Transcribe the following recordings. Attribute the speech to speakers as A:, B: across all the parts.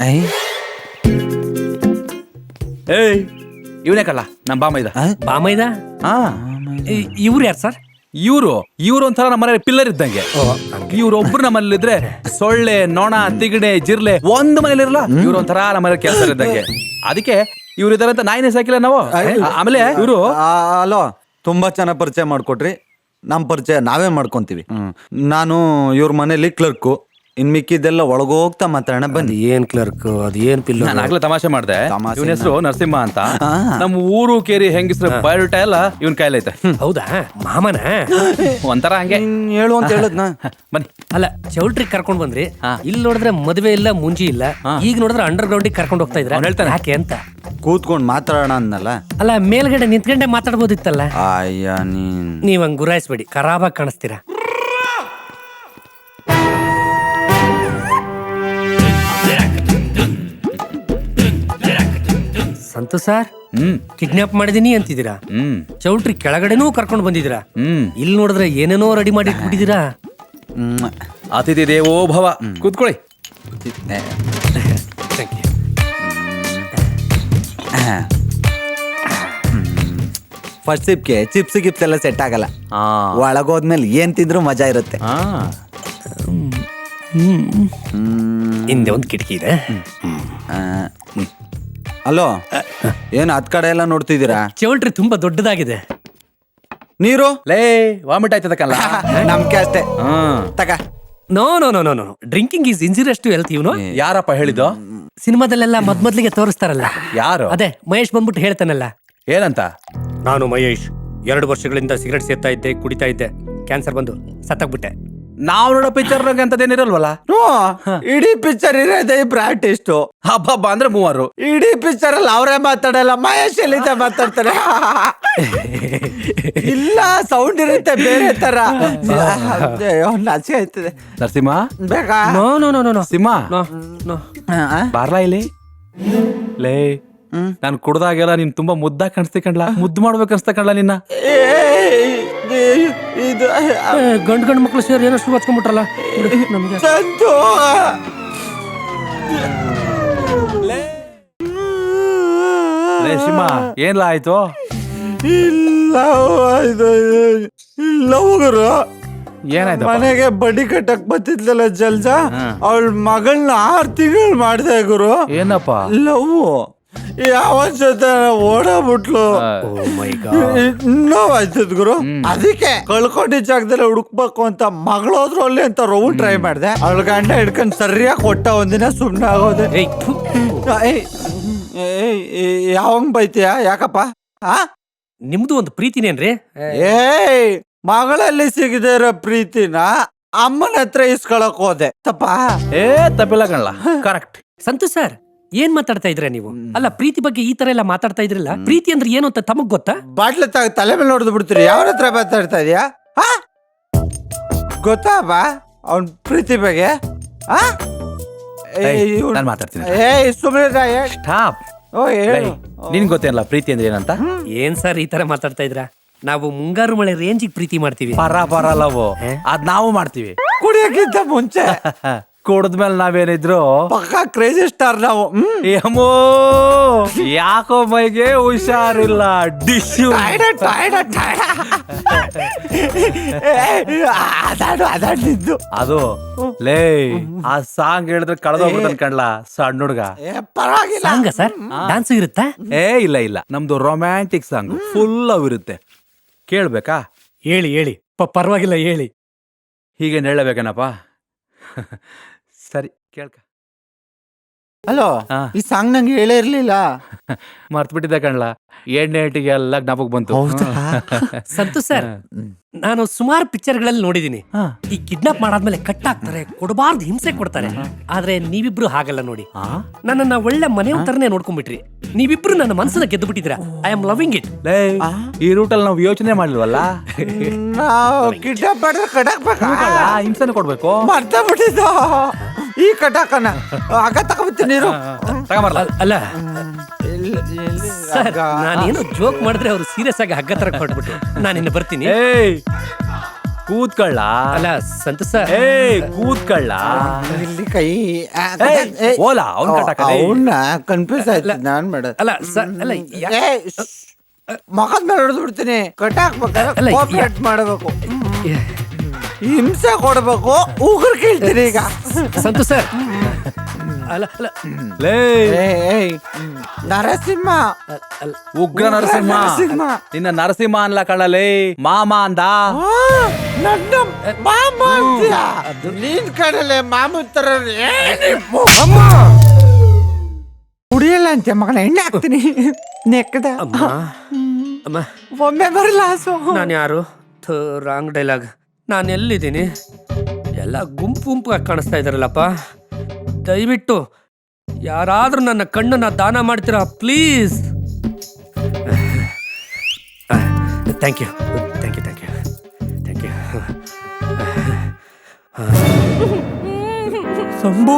A: ಏಯ್ ಇವನೇ ಕಳ್ಳ ನಮ್ಮ ಬಾಮೈದ.
B: ಬಾಮೈದ ಇವ್ರು ಯಾರು ಸರ್?
A: ಇವ್ರು ಒಂಥರ ನಮ್ಮ ಮನೆ ಪಿಲ್ಲರ್ ಇದ್ದಂಗೆ. ಇವ್ರೊಬ್ರು ನಮ್ಮಲ್ಲಿ ಇದ್ರೆ ಸೊಳ್ಳೆ, ನೊಣ, ತಿಗಣೆ, ಜಿರ್ಲೆ ಒಂದ್ ಮನೇಲಿ ಇರಲ್ಲ. ಇವ್ರು ಒಂಥರ ನಮ್ಮ ಮನೆ ಕೆಲಸ ಇದ್ದಂಗೆ. ಅದಕ್ಕೆ ಇವ್ರು ಇದಾರೆ ಅಂತ ನಾಯಿನೇ ಸಾಕಿಲ್ಲ ನಾವು. ಆಮೇಲೆ ಇವರು
C: ಅಲೋ, ತುಂಬಾ ಚೆನ್ನಾಗಿ ಪರಿಚಯ ಮಾಡ್ಕೊಟ್ರಿ. ನಮ್ಮ ಪರಿಚಯ ನಾವೇ ಮಾಡ್ಕೊಂತೀವಿ. ನಾನು ಇವ್ರ ಮನೇಲಿ ಕ್ಲರ್ಕು. ಇನ್ ಮಿಕ್ಕಿದ್ದೆಲ್ಲ ಒಳಗೋಗ್ತಾ ಮಾತಾಡೋಣ ಬನ್ನಿ.
B: ಏನ್ ಕ್ಲರ್ಕ್, ಅದ್ ಏನ್ ಪಿಲ್ಲ?
A: ನಾನು ಆಗ್ಲೇ ತಮಾಷೆ ಮಾಡ್ದೆ. ಇವನ ಹೆಸರು ನರಸಿಂಹ ಅಂತ. ನಮ್ಮ ಊರು ಕೇರಿ ಹೆಂಗಿಸ್ರ ಬಯೋಡೇಟಾ ಎಲ್ಲ ಇವನ್ ಕೈಲೈತೆ.
B: ಹೌದಾ? ಮಾಮನ
A: ಒಂಥರ ಹಂಗೆ
C: ಹೇಳು ಅಂತ ಹೇಳದ್ನ.
A: ಬನ್ನಿ.
B: ಅಲ್ಲ, ಚೌಲ್ಟ್ರಿ ಕರ್ಕೊಂಡ್ ಬಂದ್ರಿ. ಇಲ್ಲಿ ನೋಡಿದ್ರೆ ಮದುವೆ ಇಲ್ಲ, ಮುಂಜಿ ಇಲ್ಲ. ಈಗ ನೋಡಿದ್ರೆ ಅಂಡರ್ ಗ್ರೌಂಡ್ ಕರ್ಕೊಂಡು ಹೋಗ್ತಾ ಇದ್ರ.
A: ಹೇಳ್ತಾನೆ
B: ಯಾಕೆ ಅಂತ
C: ಕೂತ್ಕೊಂಡ್ ಮಾತಾಡೋಣ ಅನ್ನಲ್ಲ.
B: ಅಲ್ಲ, ಮೇಲ್ಗಡೆ ನಿಂತ್ಕೊಂಡೆ ಮಾತಾಡ್ಬೋದಿತ್ತಲ್ಲ.
C: ಅಯ್ಯ
B: ನೀವ್ ಹಂಗ್ ಗುರಾಯಿಸ್ಬೇಡಿ, ಖರಾಬಾಗಿ ಕಾಣಿಸ್ತೀರಾ. ಸಂತು ಸರ್, ಕಿಡ್ನಾಪ್ ಮಾಡಿದೀನಿ ಅಂತಿದ್ದೀರಾ. ಚೌಲ್ಟ್ರಿ ಕೆಳಗಡೆನೂ ಕರ್ಕೊಂಡು ಬಂದಿದ್ದೀರಾ. ಇಲ್ಲಿ ನೋಡಿದ್ರೆ ಏನೇನೋ ರೆಡಿ ಮಾಡಿ ಇಟ್ಬಿಟ್ಟಿದ್ದೀರಾ.
A: ಅತಿಥಿ ದೇವೋ ಭವ. ಕೂತ್ಕೊಳ್ಳಿ.
C: ಫಸ್ಟ್ ಸಿಪ್ಗೆ ಚಿಪ್ಸ್ ಗಿಪ್ಸ್ ಎಲ್ಲ ಸೆಟ್ ಆಗಲ್ಲ. ಒಳಗೋದ್ಮೇಲೆ ಏನ್ ತಿಂದ್ರು ಮಜಾ ಇರುತ್ತೆ.
B: ಹಿಂದೆ ಒಂದು ಕಿಟಕಿ ಇದೆ.
C: ಅಲೋ, ಏನ್ ಹತ್ ಕಡೆ ಎಲ್ಲ ನೋಡ್ತಿದ್ದೀರಾ?
B: ಚೌಲ್ಟ್ರಿ ತುಂಬಾ ದೊಡ್ಡದಾಗಿದೆ.
C: ನೀರು
A: ಲೇ ವಾಮಿಟ್ ಆಯ್ತದ ಕಲ್ಲ.
C: ನಮ್ಗೆ ಅಷ್ಟೇ ತಗ.
B: No no no no no, drinking is injurious to health. ಇವನು
A: ಯಾರಪ್ಪ ಹೇಳಿದ್ದು?
B: ಸಿನಿಮಾದಲ್ಲೆಲ್ಲ ಮೊದ್ಲಿಗೆ ತೋರಿಸ್ತಾರಲ್ಲ.
A: ಯಾರು?
B: ಅದೇ ಮಹೇಶ್ ಬಂದ್ಬಿಟ್ಟು ಹೇಳ್ತಾನಲ್ಲ.
A: ಏನಂತ?
B: ನಾನು ಮಹೇಶ್ 2 ವರ್ಷಗಳಿಂದ ಸಿಗರೆಟ್ ಸೇರ್ತಾ ಇದ್ದೆ, ಕುಡಿತಾ ಇದ್ದೆ. ಕ್ಯಾನ್ಸರ್ ಬಂದು ಸತ್ತಾಗ್ಬಿಟ್ಟೆ.
A: ನಾವು ನೋಡೋ ಪಿಕ್ಚರ್ ಅಂತದೇನಿರಲ್ವಲ್ಲ.
C: ಇಡೀ ಪಿಕ್ಚರ್ ಇರೋದೇ ಇಬ್ರು ಆರ್ಟಿಸ್ಟು.
A: ಹಬ್ಬ ಅಂದ್ರೆ 3.
C: ಇಡೀ ಪಿಕ್ಚರ್ ಅಲ್ಲಿ ಅವರೇ ಮಾತಾಡಲ್ಲ, ಮಹೇಶ್ ಎಲ್ಲಿಂದ ಮಾತಾಡ್ತಾರೆ. ಇಲ್ಲ, ಸೌಂಡ್ ಇರುತ್ತೆ ಬೇರೆ ತರ. ನಾಚಿಕೆ ಆಯ್ತದೆ.
A: ನರಸಿಂಹ
C: ಬೇಕಾ?
B: No no no no no
A: Simha
B: no no.
A: ಬಾರ್ಲಾ ಇಲ್ಲಿ. ಲೇ, ನಾನು ಕುಡ್ದಾಗೆಲ್ಲ ನೀನ್ ತುಂಬಾ ಮುದ್ದಾಗಿ ಕಾಣಿಸ್ತಿ ಕಣ್ಲಾ. ಮುದ್ದು ಮಾಡ್ಬೇಕು ಅನ್ಸ್ತಾ ಕಣ್ಲಾ ನಿನ್ನ.
C: ಇದು
B: ಗಂಡು ಮಕ್ಳು ಸೇರಿ ಏನೋ ಶುರು ಹಚ್ಕೊಂಡ್ಬಿಟ್ರಲ್ಲ ನಮ್ಗೆ.
A: ಲೇ ಸಿಂಹ, ಏನ್ಲಾ ಆಯ್ತು?
C: ಇಲ್ಲ ಹೋಗರು
A: ಏನಾಯ್ತು?
C: ಮನೆಗೆ ಬಡ್ಡಿ ಕಟ್ಟಕ್ ಬತ್ತಿದ್ಲಲ್ಲ ಜಲ್ಜಾ, ಅವಳ ಮಗಳನ್ನ 6 ತಿಂಗಳು ಮಾಡ್ದೆ ಗುರು.
A: ಏನಪ್ಪ?
C: ಲವ್ ಯಾವ ಜೊತೆ ಓಡಾಬಿಟ್ಲು. ನೋವಾಯ್ತದ ಗುರು. ಅದಕ್ಕೆ ಕಳ್ಕೊಂಡಿದ್ದ ಜಾಗದಲ್ಲಿ ಹುಡುಕ್ಬೇಕು ಅಂತ ಮಗಳೋದ್ರಲ್ಲಿ ಅಂತ ರೌಂಡ್ ಟ್ರೈ ಮಾಡ್ದೆ. ಅವಳ ಗಂಡ ಹಿಡ್ಕೊಂಡ್ ಸರಿಯಾಗಿ ಕೊಟ್ಟ. ಒಂದಿನ ಸುಮ್ನೆ ಆಗೋದೆ. ಯಾವಂಗ್ ಬೈತೀಯ? ಯಾಕಪ್ಪ?
B: ನಿಮ್ದು ಒಂದು ಪ್ರೀತಿನೇನ್ರಿ?
C: ಮಗಳಲ್ಲಿ ಸಿಗದೇ ಇರೋ ಪ್ರೀತಿನ ಅಮ್ಮನ ಹತ್ರ ಇಸ್ಕೊಳಕ್ ಹೋದೆ.
A: ತಪ್ಪಿಲ್ಲ ಕಣ್ಲ, ಕರೆಕ್ಟ್.
B: ಸಂತು ಸರ್, ಏನ್ ಮಾತಾಡ್ತಾ ಇದ್ರ ನೀವು? ಅಲ್ಲ, ಪ್ರೀತಿ ಬಗ್ಗೆ ಈ ತರ ಎಲ್ಲ ಮಾತಾಡ್ತಾ ಇದ್ರಲ್ಲ. ಪ್ರೀತಿ ಅಂದ್ರೆ ಏನು ಅಂತ ತಮಗ್ ಗೊತ್ತಾ?
C: ಬಾಟ್ಲ ತಲೆ ಮೇಲೆ ನೋಡ್ದು ಬಿಡ್ತೀರಿ. ಯಾವ ಹತ್ರ ಮಾತಾಡ್ತಾ ಇದೀಯಾ? ಗೊತ್ತಾ ಬಾ ಅವನ್ ಪ್ರೀತಿ ಬಗ್ಗೆ?
A: ನಾನು ಮಾತಾಡ್ತೀನಿ.
C: ಸುಮ್ಮನೆ
A: ಸ್ಟಾಪ್. ನಿನ್ ಗೊತ್ತೇನಲ್ಲ ಪ್ರೀತಿ ಅಂದ್ರೆ ಏನಂತ?
B: ಏನ್ ಸರ್ ಈ ತರ ಮಾತಾಡ್ತಾ ಇದ್ರ? ನಾವು ಮುಂಗಾರು ಮಳೆ ರೇಂಜಿಗೆ ಪ್ರೀತಿ ಮಾಡ್ತೀವಿ.
A: ಪರ ಲವ್ ಅದ್ ನಾವು ಮಾಡ್ತೀವಿ.
C: ಕುಡಿಯಕ್ಕಿಂತ ಮುಂಚೆ.
A: ಕುಡಿದ್ಮೇಲೆ ನಾವೇನಿದ್ರು
C: ಪಕ್ಕಾ ಕ್ರೇಜಿ ಸ್ಟಾರ್ ನಾವು.
A: ಏಮೋ ಯಾಕೋ ಮೈಗೆ ಹುಷಾರಿಲ್ಲ. ಡಿಶ್ಯೂ
C: ಅದಾಡ್ಲಿದ್ದು
A: ಅದು. ಲೇ, ಆ ಸಾಂಗ್ ಹೇಳಿದ್ರೆ ಕಳೆದೋಗ್ಬಿಡ್ತಾನೆ ಕಣ್ಲಾ ಸಣ್ಣ ಹುಡ್ಗ.
B: ಸಾಂಗ ಸರ್? ಡಾನ್ಸ್ ಇರುತ್ತಾ?
A: ಇಲ್ಲ, ನಮ್ದು ರೊಮ್ಯಾಂಟಿಕ್ ಸಾಂಗ್ ಫುಲ್ ಅವ್ ಇರುತ್ತೆ. ಕೇಳ್ಬೇಕಾ?
B: ಹೇಳಿ. ಪರವಾಗಿಲ್ಲ, ಹೇಳಿ.
A: ಹೀಗೇನ್ ಹೇಳಬೇಕೇನಪ್ಪ? ಸರಿ ಕೇಳ್ಕ.
C: ಹಲೋ, ಈ ಸಾಂಗ್ ನಂಗೆ ಹೇಳೇ ಇರ್ಲಿಲ್ಲ.
A: ಮರ್ತ್ಬಿಟ್ಟಿದ್ದೆ ಕಣ್ಲಾ. ಎಣ್ಣೆಟಿಗೆ ಎಲ್ಲ ಜ್ಞಾಪಕ ಬಂತು.
B: ಸಂತು ಸರ್, ನಾನು ಸುಮಾರು ಪಿಕ್ಚರ್ಗಳಲ್ಲಿ ನೋಡಿದೀನಿ. ಈ ಕಿಡ್ನಾಪ್ ಮಾಡಾದ್ಮೇಲೆ ಕಟ್ ಹಾಕ್ತಾರೆ, ಕೊಡಬಾರ್ದು ಹಿಂಸೆ ಕೊಡ್ತಾರೆ. ಆದ್ರೆ ನೀವಿಬ್ರು ಹಾಗಲ್ಲ ನೋಡಿ. ನನ್ನನ್ನ ಒಳ್ಳೆ ಮನೆಯವ್ರ ತರನೇ ನೋಡ್ಕೊಂಡ್ಬಿಟ್ರಿ. ನೀವಿಬ್ರು ನನ್ನ ಮನಸ್ಸನ್ನ ಗೆದ್ದು ಬಿಟ್ಟಿದ್ರ. I am loving it.
A: ಈ ರೂಟಲ್ಲಿ ನಾವು ಯೋಚನೆ ಮಾಡ್ಲಿಲ್ವಲ್ಲ.
C: ಕಿಡ್ನಾಪ್ ಮಾಡಿದ್ರೆ ಕಟಾಕ್ಬೇಕಾ?
A: ಹಿಂಸೆನ ಕೊಡ್ಬೇಕು.
C: ಮರ್ತ ಬಿಟ್ಟಿದ್ದು ಈ ಕಟಾಕನ. ಆಗ ತಗೋಬಿಡ್ತೀನಿ ನೀರು.
B: ಅಲ್ಲ ಸರ್, ನಾನೇನೋ ಜೋಕ್ ಮಾಡಿದ್ರೆ ಅವ್ರು ಸೀರಿಯಸ್ ಆಗಿ ಹಗ್ಗ ತರ ಕೊಟ್ಬಿಟ್ಟು ನಾನು ಇನ್ನು ಬರ್ತೀನಿ.
A: ಕೂತ್ಕೊಳ್ಳ.
B: ಅಲ್ಲ ಸಂತು ಸರ್,
A: ಕೂತ್ಕೊಳ್ಳ.
C: ಇಲ್ಲಿ ಕೈ
A: ಓಲಾ ಅವ್ನ್ ಕಟ್ಟಾಕಲೆ.
C: ಅವನ್ನ ಕನ್ಫ್ಯೂಸ್ ಆಯ್ತು ನಾನ್ ಮೇಡಮ್.
B: ಅಲ್ಲ ಸರ್, ಅಲ್ಲ
C: ಮಗದ ಮೇಲೆ ಹೊಡೆದು ಬಿಡ್ತೀನಿ. ಕಟ್ಟಾಕ್ಬೇಕಾದ್ರೆ
B: ಅಲ್ಲ,
C: ಕೋಆಪರೇಟ್ ಮಾಡಬೇಕು, ಹಿಂಸೆ ಕೊಡ್ಬೇಕು. ಉಗುರು ಕೇಳ್ತೀನಿ ಈಗ.
B: ಸಂತು ಸರ್, ಅಲ್ಲ ಅಲ್ಲ
A: ಲೇ
C: ನರಸಿಂಹ,
A: ಉಗ್ರ ನರಸಿಂಹ. ನಿನ್ನ ನರಸಿಂಹ ಅನ್ಲ ಕಳ್ಳಲೇ, ಮಾಮ ಅಂದ.
C: ನನ್ನ ಮಾಮ ಅಂತೀಯ? ನೀನ್ ಕಡಲೆ ಮಾಮ ತರ ಕುಡಿಯಲ್ಲ ಅಂತೆ ಮಗನ. ಎಣ್ಣೆ ಹಾಕ್ತೀನಿ ನೆಕ್ಕದ.
B: ಅಮ್ಮ,
C: ಒಮ್ಮೆ ಬರಲ್ಲ ಹಸು.
B: ನಾನು ಯಾರು? Wrong dialogue. ನಾನು ಎಲ್ಲಿದ್ದೀನಿ? ಎಲ್ಲ ಗುಂಪು ಗುಂಪು ಕಾಣಿಸ್ತಾ ಇದಾರಲ್ಲಪ್ಪ. ದಯವಿಟ್ಟು ಯಾರಾದ್ರೂ ನನ್ನ ಕಣ್ಣನ್ನ ದಾನ ಮಾಡ್ತೀರಾ please? Thank you thank you thank you thank you. Shambhu,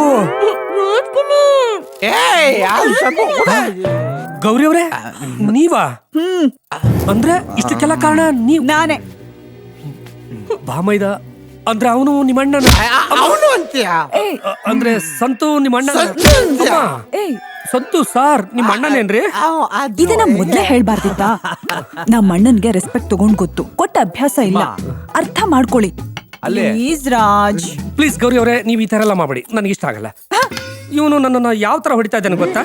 B: Gowri ಅವರೇ, ನೀವಾ? ಅಂದ್ರೆ ಇಷ್ಟಕ್ಕೆಲ್ಲ ಕಾರಣ ನೀವು?
D: ನಾನೇ.
B: ಬಾಮೈದ ಅಂದ್ರೆ ಅವನು ನಿಮ್ಮಣ್ಣ?
C: ಅವನು ಅಂತೀಯ?
B: ಅಂದ್ರೆ ಸಂತು ನಿಮ್ಮಣ್ಣ?
D: ಏಯ್,
B: ಸಂತು ಸಾರ್ ನಿಮ್ಮ ಅಣ್ಣನೇನ್ರಿ?
D: ಇದನ್ನ ಮೊದ್ಲೇ ಹೇಳ್ಬಾರ್ದಿತ್ತಾ? ನಮ್ಮ ಅಣ್ಣನ್ಗೆ ರೆಸ್ಪೆಕ್ಟ್ ತಗೊಂಡ್ ಗೊತ್ತು, ಕೊಟ್ಟ ಅಭ್ಯಾಸ ಇಲ್ಲ. ಅರ್ಥ ಮಾಡ್ಕೊಳ್ಳಿ ಪ್ಲೀಸ್ ರಾಜ್.
B: ಪ್ಲೀಸ್ ಗೌರಿ ಅವರೇ, ನೀವು ಈ ತರ ಎಲ್ಲ ಮಾಡಬೇಡಿ, ನನಗೆ ಇಷ್ಟ ಆಗಲ್ಲ. ಇವನು ನನ್ನನ್ನ ಯಾವ ತರ ಹೊಡಿತಾ ಇದ್ದಾನೆ ಗೊತ್ತಾ?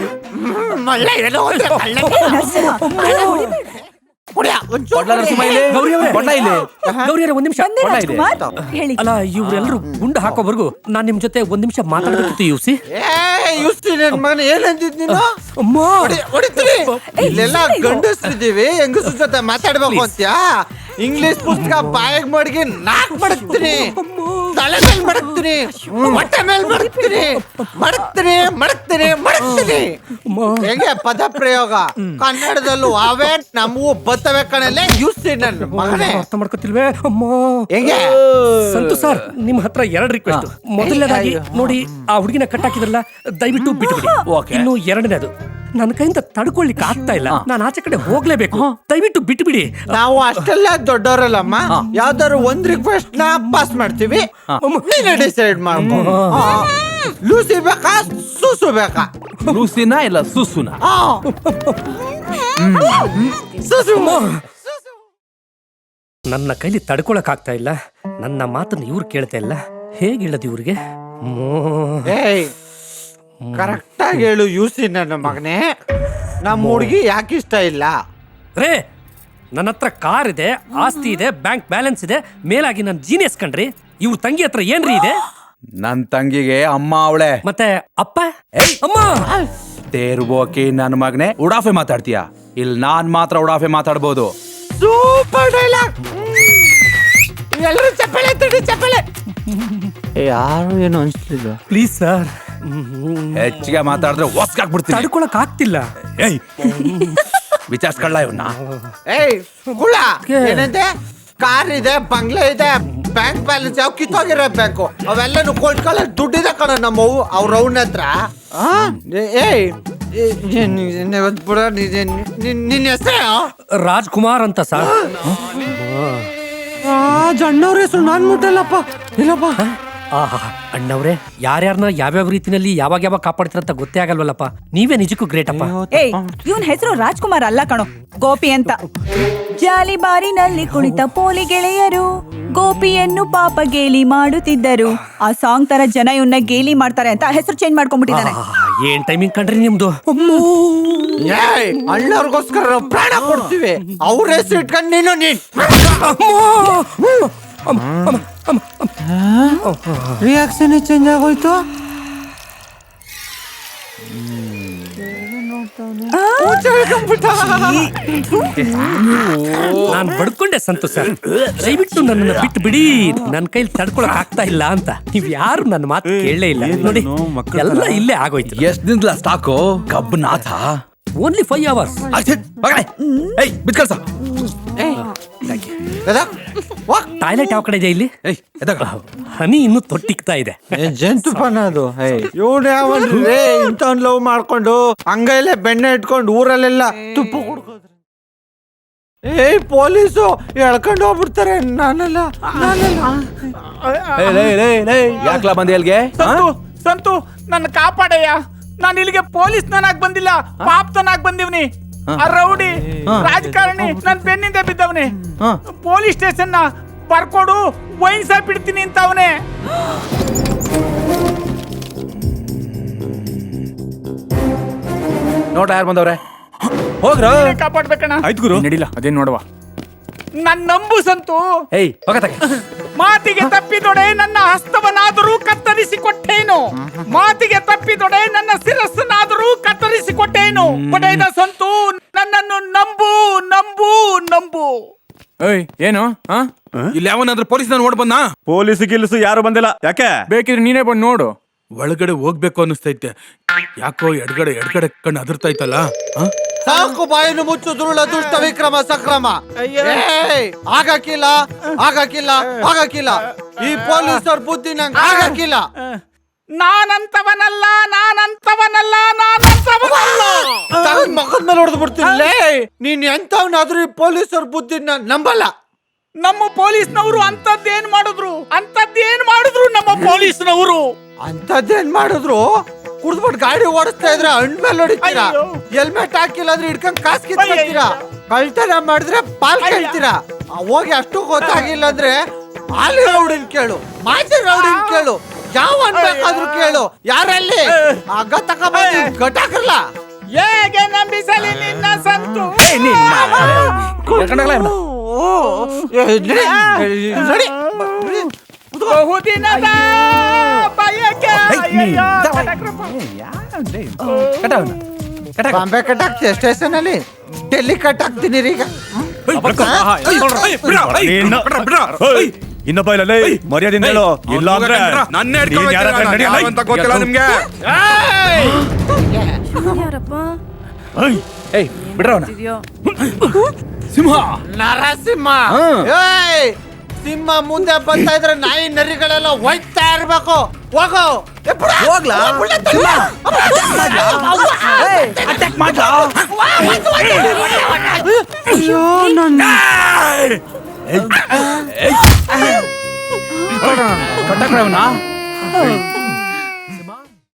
A: ಗೌರಿ
B: ಗೌರಿ ಒಂದ್ ನಿಮಿಷ.
D: ಹೇಳಿ.
B: ಅಲ್ಲ, ಇವ್ರೆಲ್ರು ಗುಂಡು ಹಾಕೋವರೆಗೂ ನಾನ್ ನಿಮ್ ಜೊತೆ ಒಂದ್ ನಿಮಿಷ ಮಾತಾಡ್ಬೇಕಿತ್ತು. ಯುಸಿ
C: ಏನಂತಿದ್ ನೀನು? ಇಲ್ಲೆಲ್ಲ ಗಂಡಸ್ರಿದ್ದೀವಿ, ಹೆಂಗಸ್ರ ಜೊತೆ ಮಾತಾಡ್ಬೇಕು ಅಂತ್ಯಾ? ಇಂಗ್ಲಿಷ್ ಪುಸ್ತಕ ಬಾಯಿಗೆ ಮಡಗಿ ನಾಕ್ ಮಡಗ್ತೀನಿ, ತಲೆ ಮೇಲೆ ಮಡಗ್ತೀನಿ, ಹೊಟ್ಟೆ ಮೇಲೆ ಮಡಗ್ತೀನಿ, ಮಡಗ್ತೀನಿ ಮಡಗ್ತೀನಿ ಮಡಗ್ತೀನಿ. ಹೆಂಗೆ ಪದ ಪ್ರಯೋಗ? ಕನ್ನಡದಲ್ಲೂ ಅವೇ ನಮಗೂ ಬರ್ತವೆ ಕಣಲ್ಲೇ. ಯೂಸಿ ನನ್ನ ಮಗನೇ.
B: ಅರ್ಥ ಮಾಡ್ಕೊತಿಲ್ವೇ? ಅಮ್ಮ,
C: ಹೆಂಗೆ?
B: ಸಂತು ಸರ್, ನಿಮ್ ಹತ್ರ 2 ರಿಕ್ವೆಸ್ಟ್. ಮೊದಲನೇದಾಗಿ ನೋಡಿ, ಆ ಹುಡುಗಿನ ಕಟ್ಟಾಕಿದ್ರಲ್ಲ, ದಯವಿಟ್ಟು ಬಿಟ್ಬಿಡಿ. ಇನ್ನು 2ನೇದು, ನನ್ನ ಕೈಯಿಂದ ತಡ್ಕೊಳ್ಲಿಕ್ಕೆ ಆಗ್ತಾ ಇಲ್ಲ, ನಾನು ಆಚೆ ಕಡೆ ಹೋಗ್ಲೇಬೇಕು, ದಯವಿಟ್ಟು ಬಿಟ್ಬಿಡಿ.
C: ನಾವು ಅಷ್ಟೆಲ್ಲ ದೊಡ್ಡವರಲ್ಲಮ್ಮ, ಯಾವ್ದಾದ್ರು ಒಂದ್ ರಿಕ್ವೆಸ್ಟ್ ನ ಪಾಸ್ ಮಾಡ್ತೀವಿ, ನೀನೇ ಡಿಸೈಡ್ ಮಾಡ್ಬೋದು. ಲೂಸಿ ಬೇಕಾ ಸೂಸು ಬೇಕಾ?
A: ಲೂಸಿನ ಇಲ್ಲ ಸುಸುನ?
C: ಸೂಸು.
B: ನನ್ನ ಕೈಲಿ ತಡ್ಕೊಳಕ್ ಆಗ್ತಾ ಇಲ್ಲ, ನನ್ನ ಮಾತನ್ನ ಇವ್ರು ಕೇಳ್ತಾ ಇಲ್ಲ. ಹೇಗೆ ಹೇಳದು ಇವ್ರಿಗೆ?
C: ಕರೆಕ್ಟ್ ಆಗಿ ಹೇಳು ಯೂಸಿ ನನ್ನ ಮಗನೇ. ನಮ್ಮ ಹುಡುಗಿ ಯಾಕೆ ಇಷ್ಟ ಇಲ್ಲ?
B: ರೇ, ನನ್ನ ಹತ್ರ ಕಾರ್ ಇದೆ, ಆಸ್ತಿ ಇದೆ, ಬ್ಯಾಂಕ್ ಬ್ಯಾಲೆನ್ಸ್ ಇದೆ, ಮೇಲಾಗಿ ನನ್ನ ಜೀನಿಯಸ್ ಕಣ್ರಿ. ಇವ್ರ ತಂಗಿ ಹತ್ರ ಏನ್ರಿ ಇದೆ?
A: ನನ್ ತಂಗಿಗೆ ಅಮ್ಮ ಅವಳೆ.
B: ಮತ್ತೆ ಅಪ್ಪ? ಅಮ್ಮ
A: ತೇರ್ಬೋಕಿ ನನ್ನ ಮಗನೇ. ಉಡಾಫೆ ಮಾತಾಡ್ತೀಯ? ಇಲ್ಲಿ ನಾನ್ ಮಾತ್ರ ಉಡಾಫೆ ಮಾತಾಡ್ಬೋದು.
C: Super dialogue. ಎಲ್ಲರೂ ಚಪ್ಪಳೆ ತಡಿ, ಚಪ್ಪಳೆ. ಯಾರು ಏನು ಅನ್ಸ್ಲಿಲ್ಲ.
B: ಪ್ಲೀಸ್ ಸರ್,
A: ಹೆಚ್ಚಿಗೆ ಮಾತಾಡಿದ್ರೆ ಹೊಸ್ಕಾಕ್ಬಿಡ್ತೀನಿ.
B: ತಡ್ಕೊಳಕ್ ಆಗ್ತಿಲ್ಲ.
A: ಏಯ್, ವಿಚಾರಿಸ್ಕೊಳ್ಳ ಇವನ್ನ.
C: ಕುಳ ಏನಂತೆ? ಕಾರ್ ಇದೆ, ಬಂಗ್ಲೆ ಇದೆ, ಬ್ಯಾಂಕ್ ಬ್ಯಾಲೆನ್ಸ್ ಯಾವ ಕಿತ್ತೋಗಿರೋ ಬ್ಯಾಂಕು ಅವೆಲ್ಲನು ಕೊಟ್ಕೊಳ್ಳೋ ದುಡ್ಡಿದೆ ಕಣ ನಮ್ಮವು ಅವ್ರ ಅವನ ಹತ್ರ. ನಿನ್ನ ಹೆಸರು
B: ರಾಜ್ಕುಮಾರ್ ಅಂತ ಸರ್.
C: ಅಣ್ಣವ್ರ ಹೆಸರು ನಾನ್ ಮುಟ್ಟಲ್ಲಪ್ಪ. ಇಲ್ಲಪ್ಪ.
B: ಅಣ್ಣವ್ರೆ, ಯಾರ್ಯಾರನ್ನ ಯಾವ್ಯಾವ ರೀತಿನಲ್ಲಿ ಯಾವಾಗ ಯಾವಾಗ ಕಾಪಾಡ್ತೀರಂತ ಗೊತ್ತೇ ಆಗಲ್ವಲ್ಲಪ್ಪ. ನೀವೇ ನಿಜಕ್ಕೂ ಗ್ರೇಟ್ ಅಪ್ಪ.
D: ಏಯ್, ಇವನ್ ಹೆಸರು ರಾಜ್ಕುಮಾರ್ ಅಲ್ಲ ಕಣೋ, ಗೋಪಿ ಅಂತ. ಜಾಲಿ ಬಾರಿನಲ್ಲಿ ಕುಳಿತ ಪೋಲಿ ಗೆಳೆಯರು ಗೋಪಿಯನ್ನು ಪಾಪ ಗೇಲಿ ಮಾಡುತ್ತಿದ್ದರು. ಆ ಸಾಂಗ್ ತರ ಜನ ಇವನ್ನ ಗೇಲಿ ಮಾಡ್ತಾರೆ ಅಂತ ಹೆಸರು ಚೇಂಜ್ ಮಾಡ್ಕೊಂಡ್ಬಿಟ್ಟಿದ್ದಾನೆ.
B: ಏನ್ ಟೈಮಿಂಗ್ ಕಂಡ್ರಿ ನಿಮ್ದು?
C: ಅಣ್ಣವ್ರಿಗೋಸ್ಕರ ಪ್ರಾಣ ಕೊಡ್ತೀವಿ, ಅವ್ರ ಹೆಸರು ಇಟ್ಕೊಂಡು ನೀನು ರಿಯಾಕ್ಷನ್ ಚೇಂಜ್ ಆಗೋಯ್ತು.
B: ನಾನ್ ಬಡ್ಕೊಂಡೆ ಸಂತು ಸರ್, ದಯವಿಟ್ಟು ನನ್ನನ್ನ ಬಿಟ್ಟು ಬಿಡಿ, ನನ್ನ ಕೈಲಿ ತಡ್ಕೊಳಕ್ ಆಗ್ತಾ ಇಲ್ಲ ಅಂತ. ನೀವ್ ಯಾರು ನನ್ನ ಮಾತು ಕೇಳಲೇ ಇಲ್ಲ ನೋಡಿ, ಎಲ್ಲ ಇಲ್ಲೇ ಆಗೋಯ್ತು.
A: ಎಷ್ಟ್ ದಿನದ ಸ್ಟಾಕು? ಕಬ್ಬನಾಥ
B: ಓನ್ಲಿ 5 hours. ಟಾಯ್ಲೆಟ್ ಯಾವ ಕಡೆ ಇದೆ ಇಲ್ಲಿ? ಹನಿ ಇನ್ನು ತೊಟ್ಟಿಕ್ತಾ ಇದೆ.
C: ಜಂತುಪನ ಅದು. ಇವನು ಯಾವನ್ರಿ ಇಂಥವ್ನ್ ಲವ್ ಮಾಡ್ಕೊಂಡು ಹಂಗೈಲೆ ಬೆಣ್ಣೆ ಇಟ್ಕೊಂಡು ಊರಲ್ಲೆಲ್ಲ ತುಪ್ಪ ಕುಡ್ಕೋದ್ರೆ ಏಯ್ ಪೊಲೀಸು ಎಳ್ಕೊಂಡು ಹೋಗ್ಬಿಡ್ತಾರೆ ನಾನಲ್ಲ
A: ಯಾಕ್ಲಾ ಬಂದೆ ಅಲ್ಗೆ
E: ಸಂತು ನನ್ನ ಕಾಪಾಡಯ್ಯ. ನಾನು ಇಲ್ಲಿಗೆ ಪೊಲೀಸ್ ನಾನಾಗ್ ಬಂದಿಲ್ಲ, ಪಾಪ್ತನಾಗ್ ಬಂದಿವ್ನಿ. ಆ ರೌಡಿ ರಾಜಕಾರಣಿ ನನ್ ಬೆನ್ನಿಂದ ಬಿದ್ದವನೆ. ಪೊಲೀಸ್ ಸ್ಟೇಷನ್ ನ ಬರ್ಕೊಡು, ವೈನ್ಸ ಬಿಡ್ತೀನಿ ಅಂತ ಅವನೇ.
A: ನೋಡ ಯಾರು ಬಂದವ್ರೆ, ಹೋಗ್ರ
E: ಕಾಪಾಡ್ಬೇಕಣ್ಣ.
F: ಆಯ್ತು ಗುರು ನಡಿಲ್ಲ ಅದೇನ್ ನೋಡುವ.
E: ನನ್ ನಂಬು ಸಂತು.
A: ಏಯ್ ಹೋಗತ್ತಾಗೆ.
E: ಮಾತಿಗೆ ತಪ್ಪಿದೊಡೆ ನನ್ನ ಹಸ್ತವನ್ನಾದರೂ ಕತ್ತರಿಸಿ ಕೊಟ್ಟೇನು, ಮಾತಿಗೆ ತಪ್ಪಿದೊಡೆ ನನ್ನ ಶಿರಸ್ಸನ್ನಾದರೂ ಕತ್ತರಿಸಿ ಕೊಟ್ಟೇನು. ಪಡೆದ ಸಂತು ನನ್ನನ್ನು ನಂಬು ನಂಬು ನಂಬು.
F: ಏಯ್ ಏನು
A: ಇಲ್ಲಿ ಯಾವನಾದ್ರೂ ಪೊಲೀಸ್ ನೋಡ್ ಬಂದ?
G: ಪೊಲೀಸ್ ಗಿಲ್ಸು ಯಾರು ಬಂದಿಲ್ಲ. ಯಾಕೆ?
F: ಬೇಕಿದ್ರೆ ನೀನೇ ಬಂದು ನೋಡು.
A: ಒಳಗಡೆ ಹೋಗ್ಬೇಕು ಅನ್ನಿಸ್ತೈತೆ. ಯಾಕೋ ಎಡ್ಗಡೆ ಕಣ್ಣು ಅದರ್ತೈತಲ್ಲ.
C: ಸಾಕು ಬಾಯನ್ನು ಮುಚ್ಚು ದುರುಳ ದುಷ್ಟ ವಿಕ್ರಮ ಸಕ್ರಮ. ಏಯ್, ಆಗಕ್ಕಿಲ್ಲ ಆಗಕ್ಕಿಲ್ಲ ಆಗಕ್ಕಿಲ್ಲ. ಈ ಪೊಲೀಸರ ಬುದ್ಧಿ ನಂಗೆ ಆಗಕ್ಕಿಲ್ಲ.
E: ನಾನಂತವನಲ್ಲ ನಾನಂತವನಲ್ಲ ನಾನಂತವನಲ್ಲ.
C: ತಗದ್ ಮಗದ ಮೇಲೆ ಹೊಡೆದು ಬಿಡ್ತೀನಿ. ನೀನ್ ಎಂತವನಾದ್ರೂ ಈ ಪೊಲೀಸರ ಬುದ್ಧಿನ ನಂಬಲ್ಲ.
E: ನಮ್ಮ ಪೊಲೀಸ್ನವರು ಅಂತದ್ದೇನ್ ಮಾಡಿದ್ರು ನಮ್ಮ ಪೊಲೀಸ್ನವರು.
C: ಅಂತದ್ದೇನ್ ಮಾಡಿದ್ರು? ಕುಡ್ದ್ಬಿಟ್ಟು ಗಾಡಿ ಓಡಿಸ್ತಾ ಇದ್ರೆ ಹಣ್ಣ್ ಮೇಲೆ ಹೊಡಿತೀರಾ, ಹೆಲ್ಮೆಟ್ ಹಾಕಿಲ್ಲ ಅಂದ್ರೆ ಹಿಡ್ಕೊಂಡ್ ಕಾಸ್ ಕಿತ್ತೀರಾ, ಕಳ್ತನ ಮಾಡಿದ್ರೆ ಪಾಲ್ ಕೇಳ್ತೀರಾ. ಹೋಗಿ ಅಷ್ಟು ಗೊತ್ತಾಗಿಲ್ಲ ಅಂದ್ರೆ ಆಲಿ ರೌಡಿನ್ ಕೇಳು, ಮಾಜಿ ರೌಡಿನ್ ಕೇಳು, ಯಾವ ಬೇಕಾದ್ರೂ ಕೇಳು. ಯಾರಲ್ಲಿ ಆಗ ತಗೊಂಡ್ಬಂದು ಗಟಾಕಲ್ಲ.
E: ಹೇಗೆ ನಂಬಿಸಲಿ ನಿನ್ನ ಸಂತು? ಬಹುದಿನದ ಬಯಕೆ.
C: ಬಾಂಬೆ ಕಟ್ಟಾಕ್ತೀಯ ಸ್ಟೇಷನ್ ಅಲ್ಲಿ, ಡೆಲ್ಲಿ ಕಟ್ಟಾಕ್ತೀನಿ ಈಗ.
G: ಇನ್ನೊಬ್ಬ ಇಲ್ಲ ಮರ್ಯಾದಿಂದ ಹೇಳು, ಇಲ್ಲ ಅಂದ್ರೆ
A: ಗೊತ್ತಿಲ್ಲ ನಿಮ್ಗೆ. ಏಯ್ ಬಿಡ್ರವನ. ಸಿಂಹ
C: ನರಸಿಂಹ. ಏಯ್, ಸಿಂಹ ಮುಂದೆ ಬರ್ತಾ ಇದ್ರೆ ನಾಯಿ ನರಿಗಳೆಲ್ಲ ಹೋಯ್ತಾ ಇರ್ಬೇಕು. ಹೋಗೋ ಹೋಗ್ಲಾ?
A: ಕಟ್ಟಕ್ರವನ